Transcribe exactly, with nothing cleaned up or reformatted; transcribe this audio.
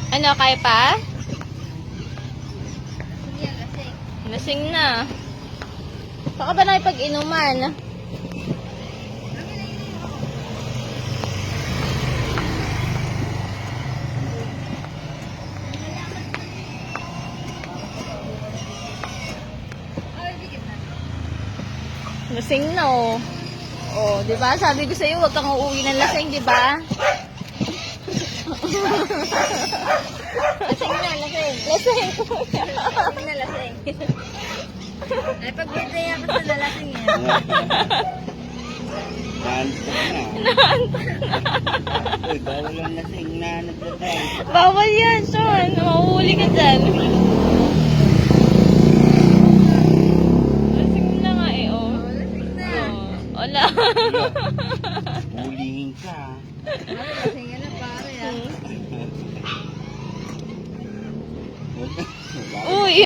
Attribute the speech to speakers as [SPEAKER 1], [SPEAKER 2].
[SPEAKER 1] Ano, kaya pa?
[SPEAKER 2] Yan, lasing.
[SPEAKER 1] Lasing na. Baka ba na ipag-inuman?
[SPEAKER 2] Ay, di kita.
[SPEAKER 1] Lasing na, oh. Oh, di ba? Sabi ko sa'yo, huwag kang uuwi ng lasing, di ba?
[SPEAKER 2] Lasing na, lasing.
[SPEAKER 1] Lasing.
[SPEAKER 2] Lasing na, lasing. Ay, pag bintaya ka sa lalasing yan.
[SPEAKER 3] Naantok na. Uy, bawal ang lasing na nagdadrive.
[SPEAKER 1] Bawal yan, Sean. Mahuhuli ka dyan. Lasing na nga eh, oh.
[SPEAKER 2] Oh, lasing na.
[SPEAKER 1] Oh, wala.
[SPEAKER 3] Hulihin ka.
[SPEAKER 2] Ay, lasing yan na pare ah.
[SPEAKER 3] Wala.